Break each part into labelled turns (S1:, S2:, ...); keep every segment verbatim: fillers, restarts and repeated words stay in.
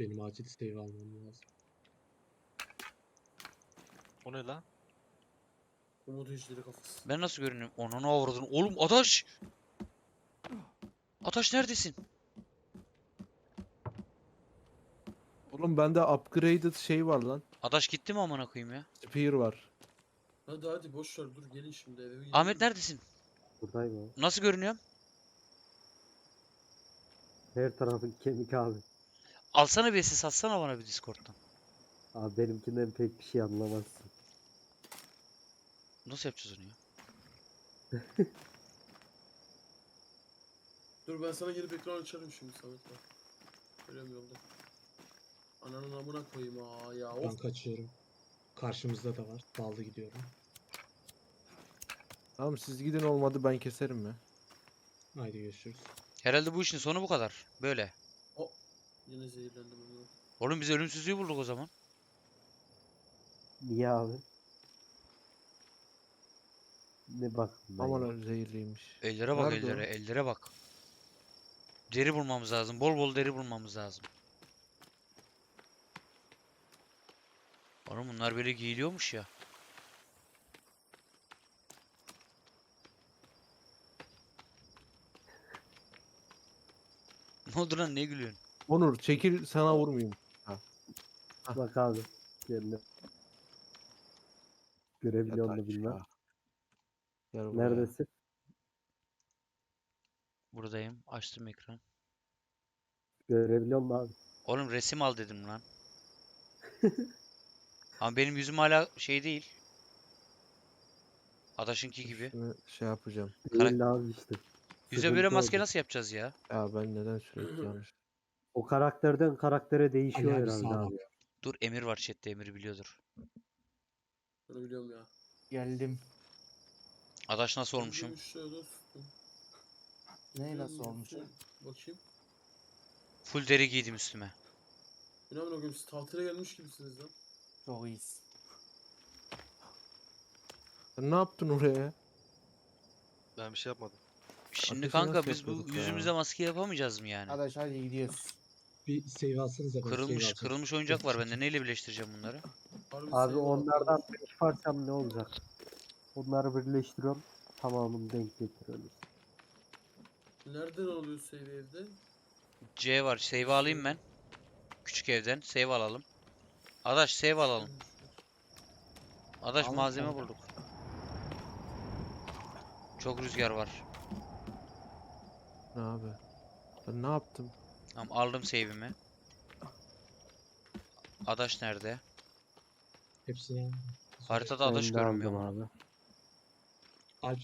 S1: Benim acil save almam lazım.
S2: O ne lan?
S3: Umut işleri kafası.
S4: Ben nasıl görünüyorum? Onu avradın. Oğlum Adaş! Adaş neredesin?
S5: Oğlum bende upgraded şey var lan.
S4: Adaş gitti mi amına koyayım ya?
S5: Spear var.
S3: Hadi hadi boş ver dur gelin şimdi eve gidelim.
S4: Ahmet neredesin?
S6: Buradayım abi.
S4: Nasıl görünüyorum?
S6: Her tarafın kemik abi.
S4: Alsana bir ses atsana bana bir Discord'dan.
S6: Abi benimkinden pek bir şey anlamazsın.
S4: Nasıl yapacağız onu ya?
S3: Dur ben sana gelip ekran açarım şimdi Samet bak. Görüyorum yolda. Ananın amına koyayım aa ya.
S1: Ben
S3: Of.
S1: kaçıyorum. Karşımızda da var. Daldı gidiyorum.
S5: Tamam siz gidin, olmadı ben keserim ya.
S1: Haydi görüşürüz.
S4: Herhalde bu işin sonu bu kadar. Böyle.
S3: Yine zehirlendim onu.
S4: Oğlum biz ölümsüzlüğü bulduk o zaman.
S6: Niye abi? Ne bak.
S5: Aman öyle zehirliymiş.
S4: Ellere bak
S5: Nerede o?
S4: ellere. Ellere bak. Deri bulmamız lazım. Bol bol deri bulmamız lazım. Oğlum bunlar böyle giyiliyormuş ya. Ne oldu lan, ne gülüyorsun?
S5: Onur çekil, sana vurmayayım.
S6: Bak abi. Kendine. Görebiliyor
S5: Yat
S6: mu bilmem.
S5: aşağı. Gel buraya.
S6: Neredesin?
S4: Buradayım. Açtım ekran.
S6: Görebiliyor mu abi?
S4: Oğlum resim al dedim lan. Ama benim yüzüm hala şey değil. Adaşınki gibi.
S5: Şunu şey yapacağım.
S4: Karak-
S6: Değil abi işte.
S4: Yüze
S6: Sıkıntı
S4: böyle maske
S6: orada.
S4: nasıl yapacağız ya?
S5: Ya ben neden sürekli yanlış.
S6: O karakterden karaktere değişiyor
S1: Ali abi
S6: herhalde
S1: sağa
S6: abi.
S1: bak.
S4: Dur Emir var chatte, Emir biliyordur.
S3: Bunu biliyorum ya.
S7: Geldim.
S4: Adaş nasıl olmuşum?
S3: Öldüm işte dostum.
S7: Ne nasıl
S3: Öldüm
S7: olmuş?
S3: işte. Bakayım.
S4: Full deri giydim üstüme.
S3: İnanın o gün siz tatile gelmiş gibisiniz lan.
S7: Çok iyiyiz.
S5: Sen ne yaptın oraya?
S2: Ben bir şey yapmadım.
S4: Şimdi
S5: Ateşi
S4: kanka
S5: nasıl
S4: biz bu
S5: yapıyorduk ya?
S4: yüzümüze maske yapamayacağız mı yani?
S7: Arkadaş hadi gidiyoruz.
S1: Bir save alsanıza. ben save
S4: Kırılmış
S1: alacağım.
S4: kırılmış oyuncak var bende. Neyle birleştireceğim bunları?
S3: Harbi
S6: Abi
S3: sevim
S6: onlardan
S3: atlamış.
S6: beş parçam ne olacak? Onları birleştiriyorum. Tamamını denk getiriyoruz.
S3: Nereden alıyor save evde?
S4: C var. Save alayım ben. Küçük evden save alalım. Adaş save alalım. Adaş
S7: Alın
S4: malzeme
S7: kanka.
S4: bulduk. Çok rüzgar var.
S5: Ne abi? Ben ne yaptım?
S4: Tamam aldım save'imi. Adaş nerede?
S1: Hepsini
S4: Haritada adaş
S6: Ben de
S4: görünmüyor
S6: aldım
S4: mu?
S6: abi.
S1: Alp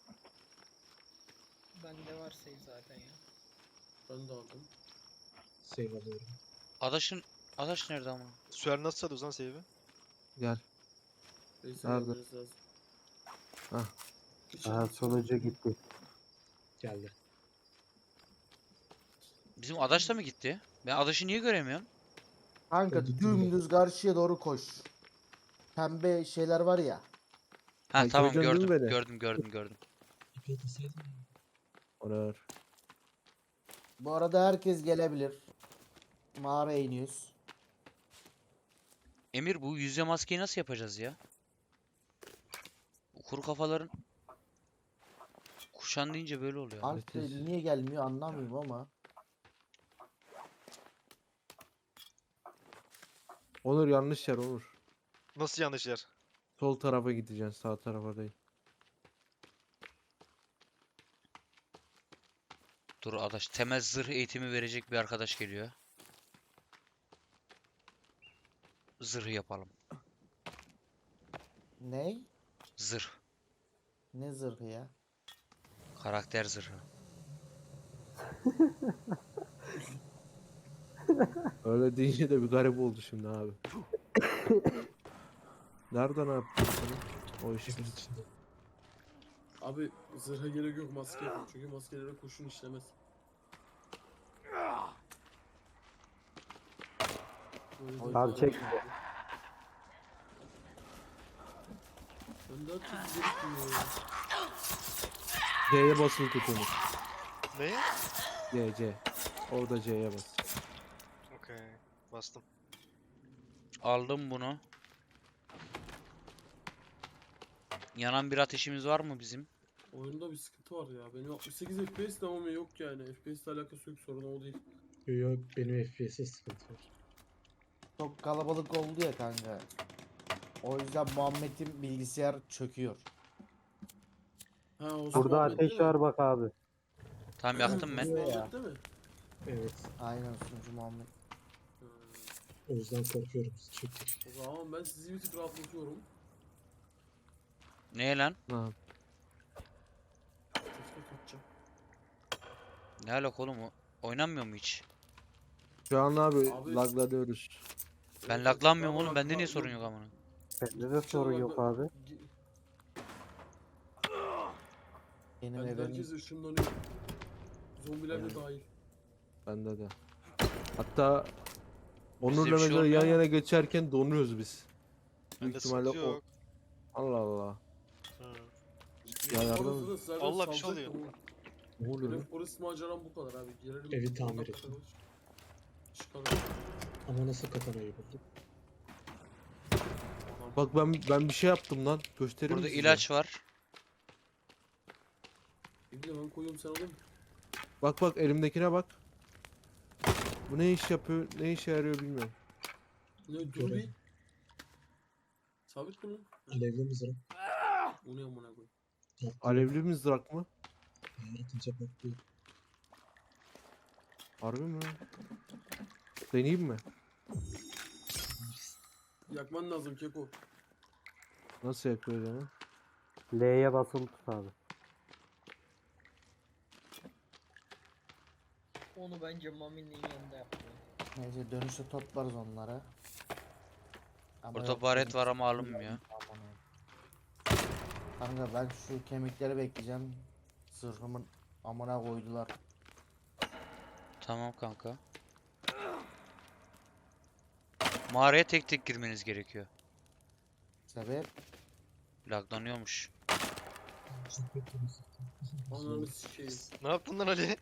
S8: Bende var save zaten ya.
S3: Ben de aldım.
S1: save alıyorum.
S4: Adaşın Adaş nerede ama?
S2: Süer nasıl çalıyoruz lan save'i?
S5: Gel.
S3: Neyse
S5: Nerede?
S3: gelmeniz lazım.
S5: Hah.
S3: Hiç
S6: Aha
S3: alakası yok.
S6: sonucu gitti.
S1: Geldi.
S4: Bizim Adaş da mı gitti? Ben Adaş'ı niye göremiyorum?
S7: Kanka
S1: Ben gittim bile.
S7: dümdüz karşıya doğru koş. Pembe şeyler var ya.
S4: Ha
S5: Ay,
S4: tamam
S5: gördün mü
S4: gördüm.
S5: beni?
S4: Gördüm gördüm gördüm.
S1: İpi atasaydım.
S5: Onur.
S7: Bu arada herkes gelebilir. Mağaraya iniyoruz.
S4: Emir bu yüzde maskeyi nasıl yapacağız ya? Bu kuru kafaların kuşan deyince böyle oluyor.
S7: Alp de
S5: Ateş.
S7: niye gelmiyor anlamıyorum ama.
S5: Onur yanlış yer Onur.
S2: Nasıl yanlış yer?
S5: Sol tarafa gideceksin, sağ tarafa değil.
S4: Dur Adaş, temel zırh eğitimi verecek bir arkadaş geliyor. Zırh yapalım.
S7: Ne?
S4: Zırh.
S7: Ne zırhı ya?
S4: Karakter zırhı.
S5: Öyle deyince de bir garip oldu şimdi abi. Nereden yaptın sen o işi?
S1: Evin içinde.
S3: Abi zırha gerek yok maske yapın. Çünkü maskelere kurşun işlemez. Böyle
S7: Oy.
S3: bir-
S6: Abi çek.
S3: Ben daha çok gerekmiyor ya.
S5: C'ye basılı tut Onur.
S2: Ne?
S5: C, C. Orada C'ye bas.
S2: Okey. Bastım. Bastım.
S4: Aldım bunu. Yanan bir ateşimiz var mı bizim?
S3: Oyunda bir sıkıntı var ya. Benim altmış sekiz F P S de ama yok yani. F P S ile alakası yok, sorun o değil.
S1: Yok, benim F P S'e sıkıntı var.
S7: Çok kalabalık oldu ya kanka. O yüzden Muhammed'in bilgisayar çöküyor.
S3: Ha, o
S6: Burada
S3: Muhammed
S6: ateş
S3: değil mi?
S6: var bak abi.
S4: Tam yaktım ben.
S7: Biliyor ya.
S3: Muhammed değil mi?
S1: Evet.
S7: Aynen sunucu Muhammed.
S3: Ha.
S1: O yüzden korkuyorum. Çünkü
S3: O zaman ben sizi bir tık rahatlatıyorum.
S4: Ne lan?
S5: Ha.
S3: Tekrar kaçacağım.
S4: Ne alaka oğlum o? Oynanmıyor mu hiç?
S5: Şu an abi,
S3: Abi-
S5: laglanıyoruz.
S4: Ben
S3: Evet,
S4: laglanmıyorum
S3: bak,
S4: oğlum.
S3: bak,
S4: Bende niye
S3: bak,
S4: sorun
S3: yok.
S4: yok amına?
S6: Bende de sorun yok abi.
S7: Benim
S3: Ben
S7: evim
S3: herkes ışınlanıyor. Zombiler de dahil.
S5: Bende de. Hatta Onur'la
S4: Bizde bir şey
S5: mesela
S4: olmuyor
S5: yan
S4: ama.
S5: yana geçerken donuyoruz biz. Büyük
S2: Bende
S5: ihtimalle
S2: sıkıntı
S5: o.
S2: yok.
S5: Allah Allah.
S2: Ha.
S5: Ya yardım-
S3: Orası da zaten
S2: Allah bir şey
S3: salacak
S2: oluyor.
S3: da o.
S5: Ne oluyor lan?
S3: Benim orası maceram bu kadar abi. Girelim.
S1: Evi tamir
S3: oradan
S1: ettim.
S3: kaçarız. Çıkalım.
S1: ama nasıl katanayı buldum?
S3: Adam-
S5: Bak ben ben bir şey yaptım lan. Göstereyim
S4: Burada
S5: mi size?
S4: ilaç var.
S3: Bir de ben koyuyorum, sen alayım.
S5: Bak bak elimdekine bak. Bu ne iş yapıyor, ne işe yarıyor bilmiyorum.
S3: Ne dur bir.
S1: Görelim.
S3: Sabit mi lan?
S1: Alevli mızrak.
S3: Bu ne amına koy.
S5: Alevli mızrak mı?
S1: Atınca patlıyor.
S5: Harbi mi? Deneyeyim mi?
S3: Yakman lazım Keko.
S5: Nasıl yapıyor yani?
S6: L'ye basılı tut abi.
S8: Onu bence Mami'nin yanında yaptım.
S7: neyse dönüşte toplarız onları. Ama
S4: Burada
S7: yok,
S4: baret
S7: benim-
S4: var ama alınmıyor.
S7: Aman Allah'ım. Kanka ben şu kemikleri bekleyeceğim. Zırhımın amına koydular.
S4: Tamam kanka. Mağaraya tek tek girmeniz gerekiyor.
S7: Sebep
S4: Laglanıyormuş.
S3: Ananı sikeyim.
S2: Ne yaptın lan Ali?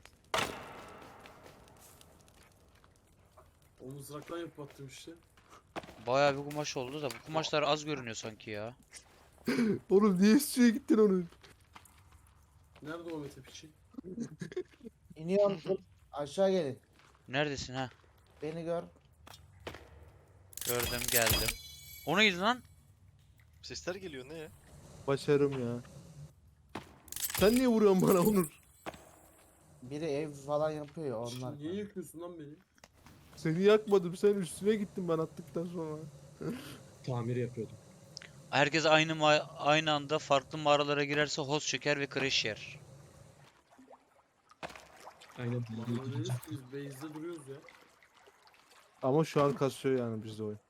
S3: O mızraktan yapıp attım işte.
S4: Bayağı bir kumaş oldu da bu kumaşlar az görünüyor sanki ya.
S5: Oğlum niye üstüne gittin onun?
S3: Nerede o Mete piçi?
S7: iniyorum. dur. Aşağı gelin.
S4: Neredesin ha?
S7: Beni gör.
S4: Gördüm geldim. O neydi lan?
S2: Sesler geliyor ne ya?
S5: Başarım ya. Sen niye vuruyorsun bana Onur?
S7: Biri ev falan yapıyor ya onlar.
S3: Niye yakıyorsun lan beni?
S5: Seni yakmadım, sen üstüne gittin ben attıktan sonra.
S1: Tamir yapıyordum.
S4: Herkes aynı ma- aynı anda farklı mağaralara girerse host çeker ve crash yer.
S1: Aynen
S3: Bana
S1: bildiği gibi.
S3: deriz ki biz base'de duruyoruz ya.
S5: Ama şu an kasıyor yani bizde oyun.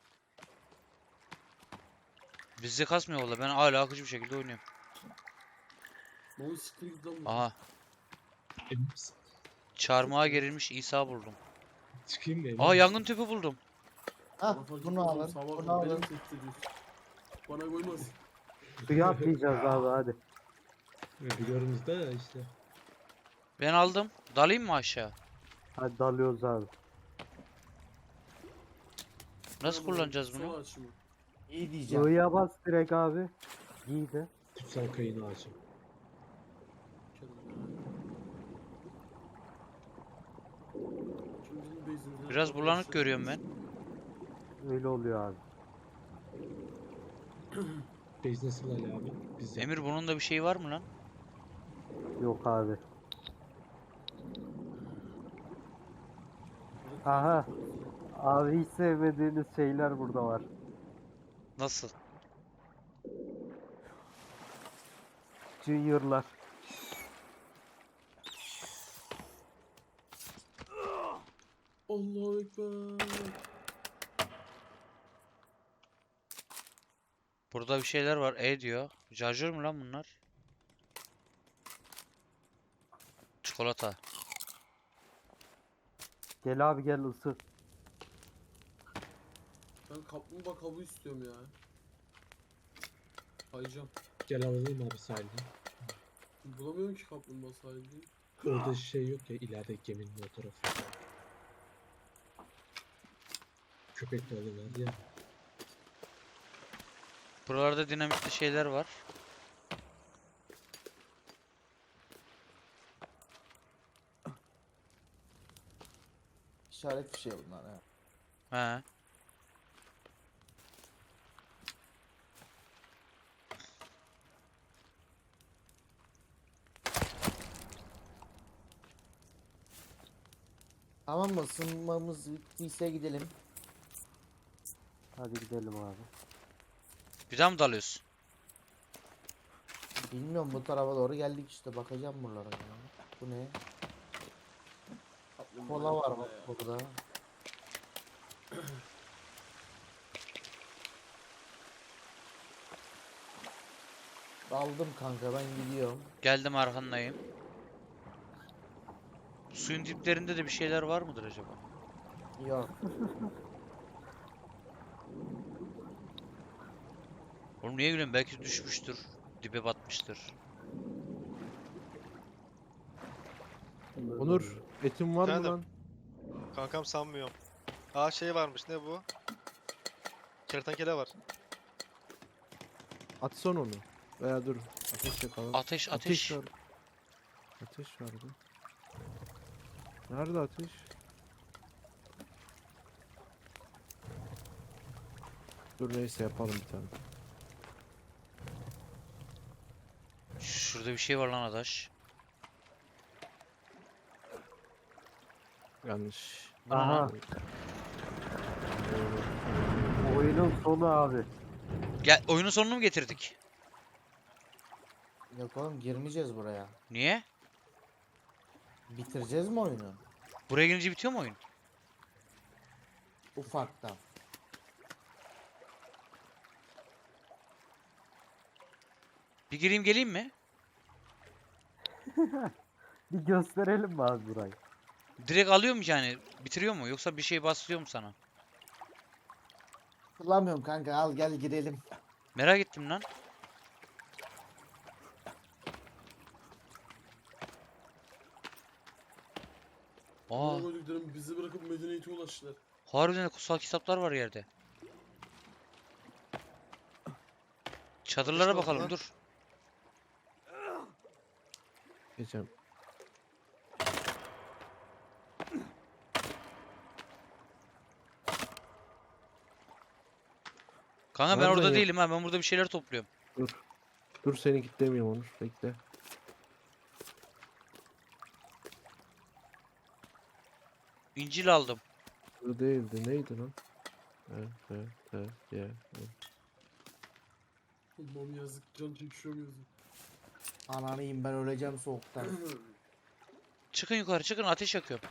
S4: Bizde kasmıyor valla. Ben hala akıcı bir şekilde oynuyorum.
S3: Mami siktir git lan. bu.
S4: Aha.
S1: Emin misin?
S4: Çarmıha gerilmiş İsa buldum.
S1: Çıkayım mı? emin
S4: Aa
S1: misin?
S4: yangın tüpü buldum.
S7: Ha
S3: Bana fark
S7: bunu
S3: etmez,
S7: alın.
S3: sabah
S7: Bunu
S3: beni
S7: alın.
S3: tehdit ediyorsun. Bana koymaz.
S6: Suya atlayacağız abi hadi.
S1: Biliyoruz da işte.
S4: Ben aldım. Dalayım mı aşağı?
S6: Hadi dalıyoruz abi.
S4: Nasıl
S3: Tamam,
S4: kullanacağız
S3: sol
S4: bunu?
S3: aç şunu.
S7: İyi diyeceğim.
S6: I'ya bas direkt abi. Giy de.
S1: Kutsal kayın ağacı.
S3: Şimdi bizim base'imizden
S4: Biraz
S3: sonra
S4: bulanık
S3: işte-
S4: görüyorum ben.
S6: Öyle oluyor abi.
S1: Base nasıl Ali abi? Biz
S4: Emir bunun da bir şeyi var mı lan?
S6: Yok abi. Aha. Abi hiç sevmediğiniz şeyler burada var.
S4: Nasıl?
S6: Junior'lar.
S3: Allahu Ekber.
S4: Burada bir şeyler var. E diyor. Şarjör mü lan bunlar? Çikolata.
S6: Gel abi gel ısı.
S3: Ben kaplumbağa kabuğu istiyorum ya. Kayacağım.
S1: Gel alalım abi sahilden.
S3: Bulamıyorum ki kaplumbağa sahilde.
S1: Orada şey yok ya ileride geminin o tarafı. Köpek balığı var ya.
S4: Buralarda dinamitli şeyler var.
S7: İşaret bir şey bunlar ya.
S4: He.
S7: Tamam mı? Isınmamız bittiyse gidelim.
S6: Hadi gidelim abi.
S4: Bir daha mı dalıyorsun?
S7: Bilmiyorum, bu tarafa doğru geldik işte, bakacağım buralara ya. Bu ne? Kola var bak burada. Aldım kanka, ben gidiyorum.
S4: Geldim, arkandayım. Suyun diplerinde de bir şeyler var mıdır acaba?
S7: Yok.
S4: Oğlum niye gülüyorsun? Belki düşmüştür. Dibe batmıştır.
S5: Onur etin var mı
S2: Efendim?
S5: lan?
S2: Kankam sanmıyorum. Aa şey varmış, ne bu? Kertenkele var.
S5: Atsan onu. Veya dur. Ateş yakalım.
S4: Ateş, ateş.
S5: var. Ateş vardı. Nerede ateş? Dur neyse yapalım bir tane.
S4: Şurada bir şey var lan adaş.
S5: Yanlış.
S6: Aha. Oyunun sonu abi.
S4: Gel, oyunun sonunu mu getirdik?
S7: Yok oğlum, girmeyeceğiz buraya.
S4: Niye?
S7: Bitireceğiz mi oyunu?
S4: Buraya gelince bitiyor mu oyun?
S7: Ufaktan.
S4: Bir gireyim geleyim mi?
S6: Bir gösterelim mi abi burayı?
S4: Direkt alıyor mu yani? Bitiriyor mu? Yoksa bir şey basıyor mu sana?
S7: Hatırlamıyorum kanka, al gel girelim.
S4: Merak ettim lan. Aa,
S3: Ne koyduklarım bizi bırakıp medeniyete ulaştılar.
S4: harbiden de kutsal kitaplar var yerde. Çadırlara
S2: İşte
S4: bakalım,
S2: onlar.
S4: dur.
S5: Geçeceğim.
S4: Kanka ben
S5: Nereden
S4: orada
S5: ya-
S4: değilim ha. Ben burada bir şeyler topluyorum.
S5: Dur. Dur seni kitlemiyorum Onur. Bekle.
S4: İncil aldım.
S5: Bu değildi. Neydi lan? Evet, evet, evet, evet, evet.
S3: Allah'ım yazık, can çekişiyorum yazık.
S7: Ananıyım, ben öleceğim soğuktan.
S4: Çıkın yukarı, çıkın, ateş yakıyorum.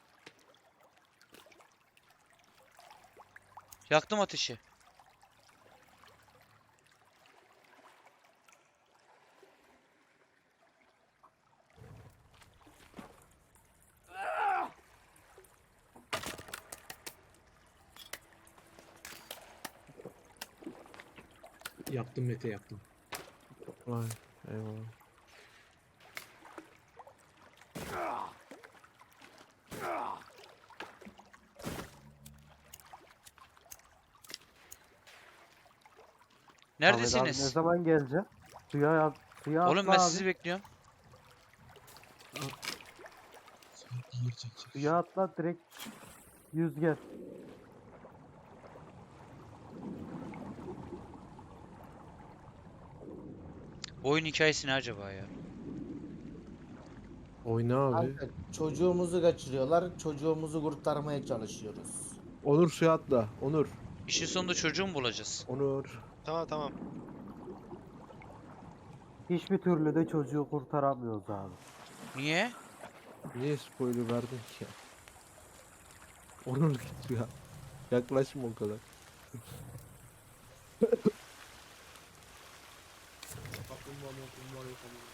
S4: Yaktım ateşi.
S1: Yaptım Mete yaptım.
S5: Vay eyvallah.
S6: Ahmet abi ne
S4: Neredesiniz?
S6: zaman gelecek? Suya yat, suya
S4: Oğlum
S6: atla
S4: ben
S6: abi.
S4: sizi bekliyorum.
S1: Ağır çekecek.
S6: Suya atla direkt yüz gel.
S4: Bu oyun hikayesi ne acaba ya?
S5: Oyna abi.
S7: Kanka, çocuğumuzu kaçırıyorlar, çocuğumuzu kurtarmaya çalışıyoruz.
S5: Onur suya atla. Onur.
S4: İşin sonunda çocuğu mu bulacağız?
S5: Onur.
S2: Tamam tamam.
S6: Hiçbir türlü de çocuğu kurtaramıyoruz abi.
S4: Niye?
S5: Niye spoiler verdin ki ya? Onur git ya. Yaklaşma o kadar.
S3: Kaplumbağa maplumbağa yok ama.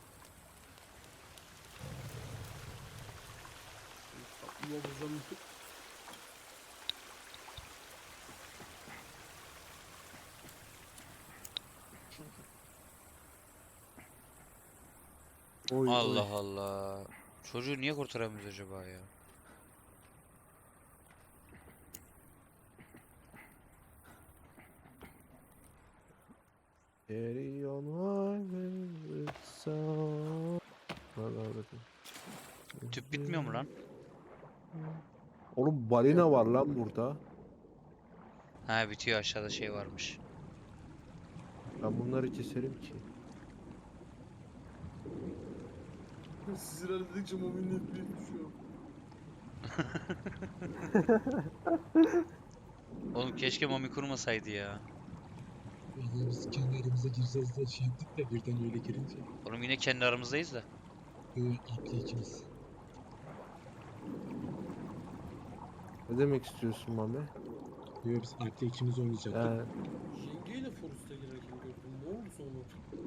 S3: Kaplumbağa bulacağım.
S5: Oy, oy.
S4: Allah Allah. Çocuğu niye kurtaramıyoruz acaba ya?
S5: Carry on my song.
S4: Tüp bitmiyor mu lan?
S5: Oğlum balina var lan burada.
S4: Ha bitiyor, aşağıda şey varmış.
S5: Ben bunları keserim ki.
S3: Siz ilerledikçe Mami'nin F P S düşüyor.
S4: Oğlum keşke Mami kurmasaydı ya.
S1: Vallahi biz kendi aramıza gireceğiz diye şey yaptık da birden öyle girince.
S4: Oğlum yine kendi aramızdayız da.
S1: Böyle atlı ikimiz.
S5: Ne demek istiyorsun Mami?
S1: Böyle biz Alp'le ikimiz oynayacaktık.
S5: Yani
S3: Yengeyle Forrest'a girerken gördüm. Ne oldu sonra?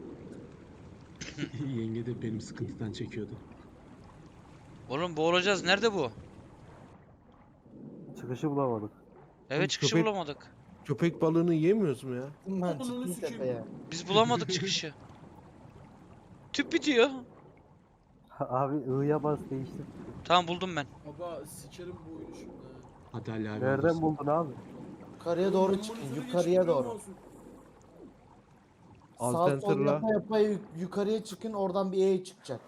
S1: Yenge de benim sıkıntıdan çekiyordu.
S4: Oğlum boğulacağız. Nerede bu?
S6: Çıkışı bulamadık.
S4: Evet, çıkışı
S5: köpek-
S4: bulamadık.
S5: köpek balığını yemiyoruz mu ya?
S7: Ben
S3: Ananı
S7: çıktım
S3: sikeyim.
S7: tepeye.
S4: Biz bulamadık çıkışı. Tüp bitiyor.
S6: Abi I'ya bas değiştir.
S4: Tamam, buldum ben.
S3: Baba sikerim bu oyunu şimdi. ha.
S1: Hadi Ali abi.
S6: Nereden
S1: alırsın.
S6: buldun abi?
S7: Yukarıya doğru
S3: Oğlum,
S7: çıkın.
S3: monitöre
S7: Yukarıya
S3: geçip
S7: doğru.
S3: görmüyorsun.
S7: Sağ sol
S5: Alternator'la.
S7: yapa yapa yuk- yukarıya çıkın. Oradan bir E çıkacak.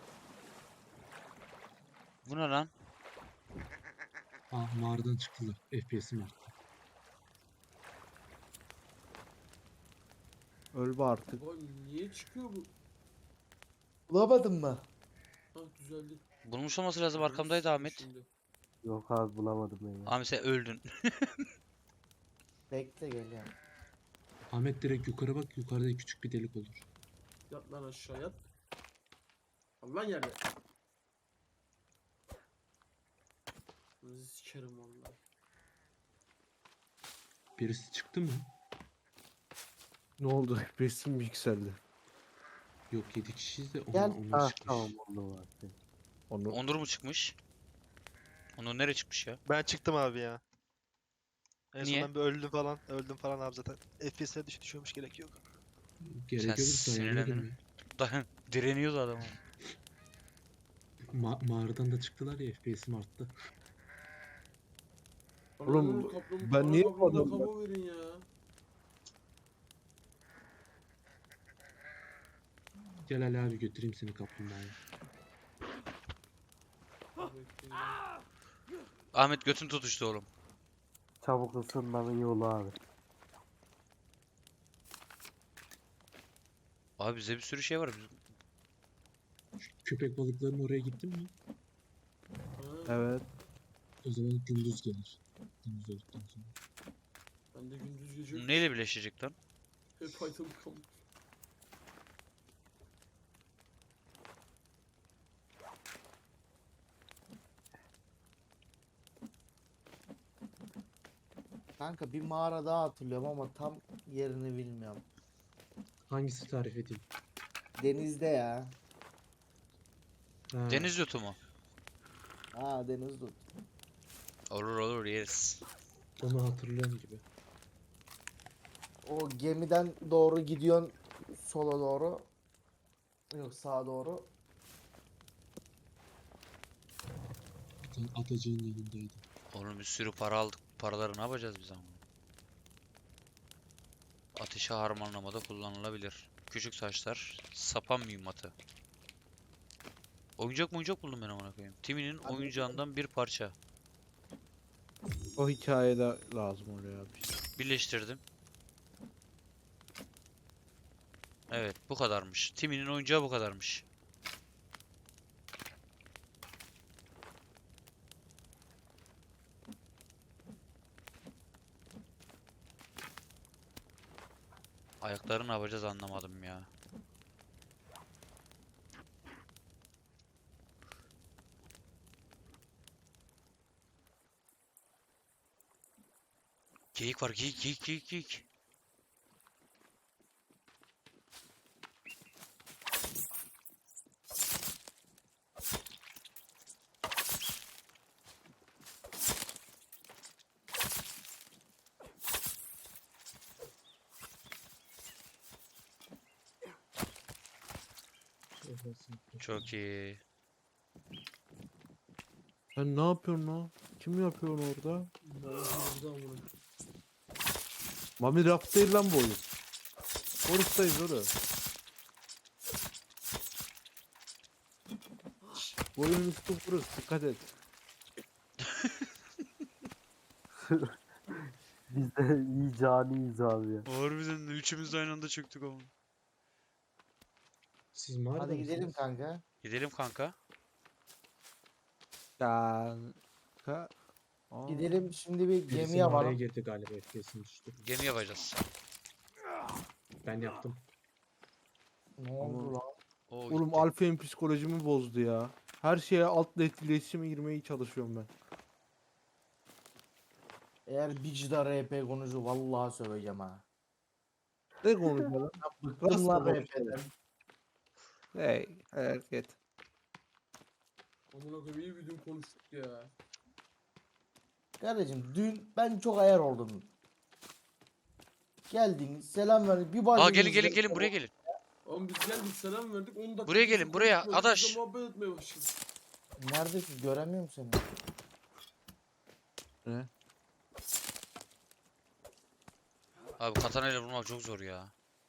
S4: Bu ne lan?
S1: Aa, mağaradan çıktılar. F P S'im arttı.
S5: Öl be artık.
S3: Baba niye çıkıyor bu?
S7: Bulamadın mı?
S3: Ah düzeldi.
S4: Bulmuş olması lazım, arkamdaydı Ahmet.
S3: Şimdi.
S6: Yok abi bulamadım ben ya.
S4: Ahmet sen öldün.
S7: Bekle geliyorum.
S1: Ahmet direkt yukarı bak. Yukarıda küçük bir delik olur.
S3: Yat lan aşağı yat. Allah yerde. Nasıl sikerim vallahi.
S1: Birisi çıktı mı?
S5: Ne oldu? F P S'im mi yükseldi?
S1: Yok yedi kişiyiz de
S7: Gel.
S1: onlar, onlar
S6: Ah
S1: çıkmış.
S6: tamam oldu abi.
S5: Onu
S4: Onur mu çıkmış? Onur nereye çıkmış ya?
S2: Ben çıktım abi ya. En
S4: Niye?
S2: son ben bir öldüm falan. Öldüm falan abi zaten. F P S'ler düş düşüyormuş, gerek yok.
S1: Gerek
S4: Sen
S1: olursa
S4: sinirlendin
S1: oynayalım
S4: mi? Dayan, direniyordu adam.
S1: ya. Ma mağaradan da çıktılar ya F P S'im arttı.
S3: Bana
S5: Oğlum,
S3: ne olur kaplum-
S5: ben
S3: bana
S5: niye bu
S3: kaplumbağa
S5: adamı-
S3: kafa verin ya.
S1: Gel Ali abi götüreyim seni kaplumbağaya.
S3: Bekleyin.
S4: Ahmet götün tutuştu oğlum.
S6: Çabuk ısınmanın yolu abi.
S4: Abi bize bir sürü şey var. Biz...
S1: Köpek balıklarının oraya gittin mi?
S3: Ha,
S5: evet.
S1: O zaman gündüz gelir. Gündüz olduktan sonra.
S3: ben de gündüz gece
S4: Neyle birleşecek lan?
S3: hep Python kalmış.
S7: Kanka bir mağara daha hatırlıyorum ama tam yerini bilmiyorum.
S1: Hangisi tarif edeyim?
S7: Denizde ya.
S1: Ha,
S4: Deniz yotu mu?
S7: Ha deniz tut.
S4: Olur olur, yeriz.
S1: Onu hatırlıyorum gibi.
S7: O gemiden doğru gidiyorsun sola doğru. Yok sağa doğru.
S1: Bir tane atacığın yanındaydı.
S4: Oğlum bir sürü para aldık. Paraları ne yapacağız biz ama? Ateşi harmanlamada kullanılabilir. Küçük taşlar, sapan mühimmatı. Oyuncak mı oyuncak buldum ben amına koyayım. Timmy'nin
S7: Hadi
S4: oyuncağından bir parça.
S5: O hikayede lazım oraya abi.
S4: Birleştirdim. Evet, bu kadarmış. Timmy'nin oyuncağı bu kadarmış. Ayakları ne yapacağız anlamadım ya. Geyik var, geyik, geyik, geyik, geyik. Çok iyi.
S5: Sen ne yapıyorsun lan? Kim yapıyor onu orada?
S3: Bana hızlı amına.
S5: Mami raft değil lan bu oyun. Oruçtayız oğlum. Boyun üstü burası. Dikkat et.
S6: Biz de iyi caniyiz abi ya.
S4: Harbiden de üçümüz de aynı anda çöktük ama.
S1: Siz mağarada
S7: Hadi gidelim
S1: mısınız?
S7: kanka.
S4: Gidelim kanka.
S5: Kanka. Aa,
S7: Gidelim şimdi bir
S1: Birisi
S7: gemi
S1: mağaraya
S7: yapalım.
S1: girdi galiba, F P S'im düştü.
S4: Gemi yapacağız.
S1: Ben yaptım.
S7: Ne oldu lan?
S4: O
S5: Oğlum
S4: gitti.
S5: Alfa'nın psikolojimi bozdu ya. Her şeye altla etkileşime girmeye çalışıyorum ben.
S7: Eğer Bicda R P konucu vallahi söveceğim ha.
S5: Ne konuşuyor lan?
S7: Bıktım lan
S5: Nasıl
S7: R P'den.
S5: Hey hareket.
S3: Amına koyayım iyi bir dün konuştuk ya.
S7: Kardeşim dün ben çok ayar oldum. Geldin selam verdin bir başladınız.
S4: Aa gelin gelin gelin buraya gelin.
S3: Oğlum biz geldik selam verdik on dakika.
S4: Buraya gelin,
S3: biz
S4: buraya,
S3: konuşuyoruz,
S4: adaş.
S3: biz de muhabbet etmeye başladık.
S7: Neredesin göremiyorum seni.
S5: Ne?
S4: Abi katanayla vurmak çok zor ya.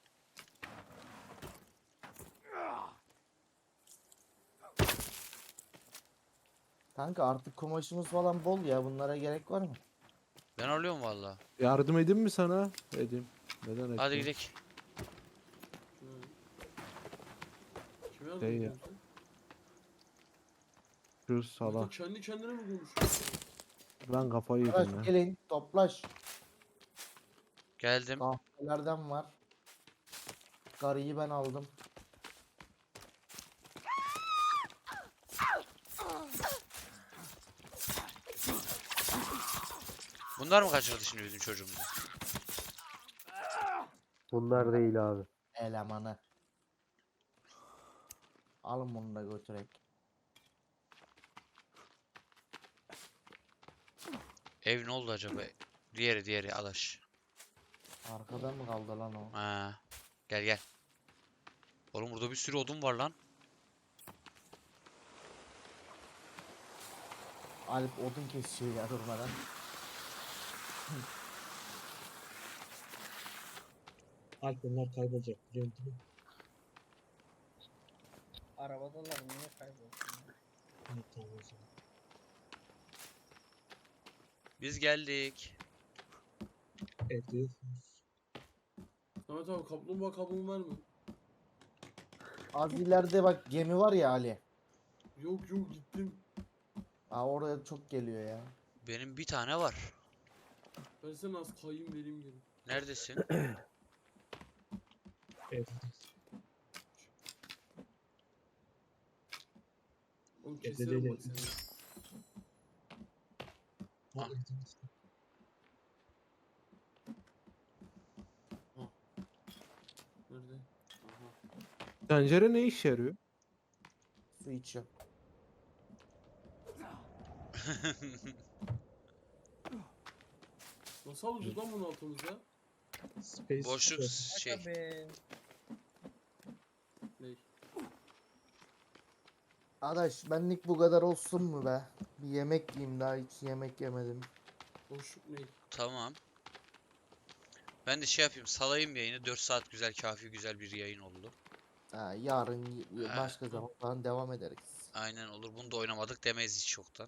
S7: Kanka artık kumaşımız falan bol ya bunlara gerek var mı?
S4: Ben alıyorum valla.
S5: Yardım edeyim mi sana? Edeyim. Neden
S4: Hadi
S5: etmeyeyim?
S4: gidelim.
S3: Hı. Kime yardım
S5: Şey ya.
S3: ediyorsun sen?
S5: Şu
S3: Burada
S5: salak.
S3: kendi kendine mi konuşuyorsun?
S5: Ben kafayı yedim
S7: Arkadaş
S5: ya.
S7: gelin toplaş.
S4: Geldim.
S7: Kahvelerden var. Karıyı ben aldım.
S4: Bunlar mı kaçırdı şimdi bizim çocuğumuzu?
S6: Bunlar değil abi.
S7: Elemanı. Alın bunu da götürek.
S4: Ev ne oldu acaba? Diğeri diğeri adaş.
S7: Arkada mı kaldı lan o?
S4: Ha. Gel gel. Oğlum burada bir sürü odun var lan.
S7: Alp odun kesiyor ya durmadan.
S1: Alp onlar kaybolacak biliyorsun değil mi?
S8: Arabadalar niye kaybolsun?
S1: Evet, tamam o zaman.
S4: Biz geldik.
S1: Evde yoksunuz.
S3: Samet abi kaplumbağa kabuğu var mı?
S7: Az ileride bak gemi var ya Ali.
S3: Yok yok gittim.
S7: Aa oraya çok geliyor ya.
S4: Benim bir tane var.
S3: Versene az kayayım vereyim geri.
S4: Neredesin?
S1: Evde.
S3: Oğlum
S1: Evde
S3: keserim
S1: değil,
S3: bak
S1: evde.
S3: seni.
S1: Ha,
S4: Ah.
S1: evde misin?
S3: Nerede? Aha.
S5: Tencere ne işe yarıyor?
S7: Su içiyor.
S3: Nasıl alacağız lan bunu altımızda?
S1: Space
S4: Boşluk
S1: Shuttle.
S4: şey.
S8: Tabii.
S3: Ney?
S7: Adaş benlik bu kadar olsun mu be? Bir yemek yiyeyim daha hiç yemek yemedim.
S3: Boşluk ney?
S4: Tamam. Ben de şey yapayım, salayım yayını. dört saat güzel, kafi güzel bir yayın oldu.
S7: Ha, yarın y-
S4: Ha.
S7: başka zaman falan devam ederiz.
S4: Aynen olur. Bunu da oynamadık demeyiz hiç çoktan.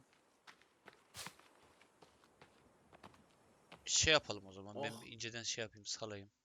S4: Şey yapalım o zaman. Ben
S3: Oh.
S4: bir inceden şey yapayım, salayım.